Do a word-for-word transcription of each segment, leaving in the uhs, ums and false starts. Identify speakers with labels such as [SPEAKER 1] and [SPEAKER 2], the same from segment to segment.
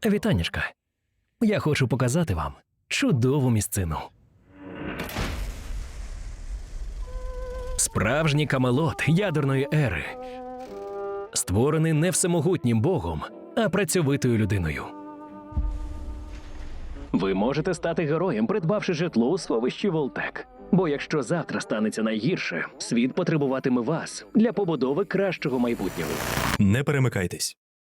[SPEAKER 1] Вітанечка. Я хочу показати вам чудову місцину. Справжній Камелот ядерної ери. Створений не всемогутнім богом, а працьовитою людиною. Ви можете стати героєм, придбавши житло у сховищі Волтек. Бо якщо завтра станеться найгірше, світ потребуватиме вас для побудови кращого майбутнього.
[SPEAKER 2] Не перемикайтесь.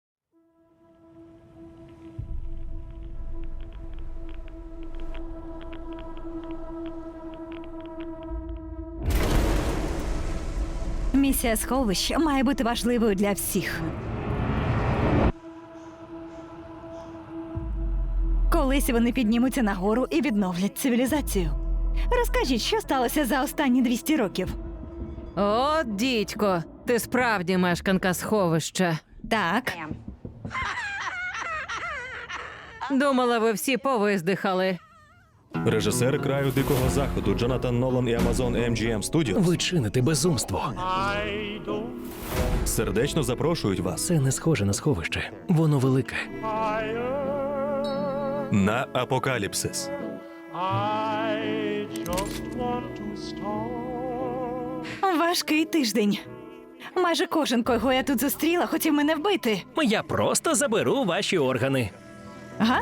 [SPEAKER 3] Місія сховища має бути важливою для всіх. Колись вони піднімуться нагору і відновлять цивілізацію. Розкажіть, що сталося за останні двісті років?
[SPEAKER 4] О, дідько, ти справді мешканка сховища.
[SPEAKER 3] Так,
[SPEAKER 4] Думала, ви всі повиздихали.
[SPEAKER 2] Режисери краю дикого заходу Джонатан Нолан і Amazon Ем Джі Ем Studios
[SPEAKER 1] Ви чините безумство.
[SPEAKER 2] сердечно запрошують вас
[SPEAKER 1] Це не схоже на сховище. Воно велике.
[SPEAKER 2] на апокаліпсис.
[SPEAKER 5] I just want to start.
[SPEAKER 3] важкий тиждень. Майже кожен, кого я тут зустріла, хотів мене вбити.
[SPEAKER 1] Я просто заберу ваші органи.
[SPEAKER 3] Ага?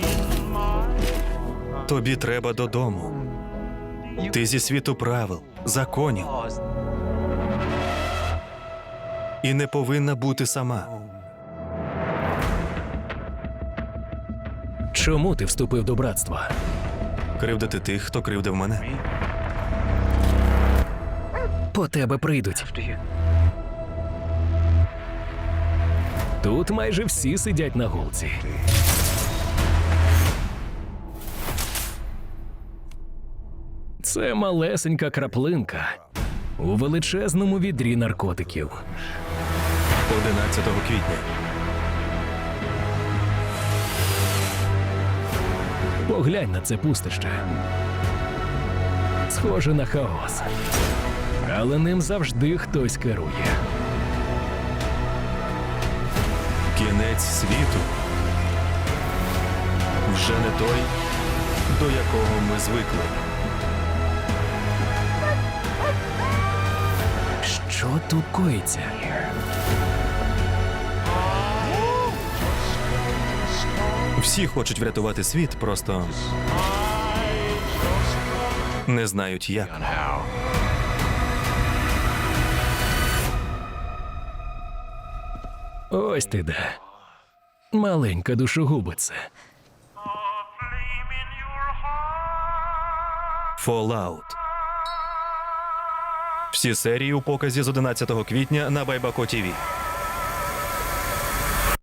[SPEAKER 2] Тобі треба додому. Ти зі світу правил, законів. І не повинна бути сама.
[SPEAKER 1] Чому ти вступив до братства?
[SPEAKER 2] Кривдити тих, хто кривдив мене.
[SPEAKER 1] По тебе прийдуть. Тут майже всі сидять на гулці. Це малесенька краплинка у величезному відрі наркотиків.
[SPEAKER 2] одинадцятого квітня.
[SPEAKER 1] Поглянь на це пустище. Схоже на хаос. Але ним завжди хтось керує.
[SPEAKER 2] Кінець світу вже не той, до якого ми звикли.
[SPEAKER 1] Що тут коїться?
[SPEAKER 2] Всі хочуть врятувати світ, просто не знають як.
[SPEAKER 1] Ось ти де. Маленька душогубиця.
[SPEAKER 2] Fallout. Всі серії у показі з одинадцятого квітня на Байбако Ті Ві.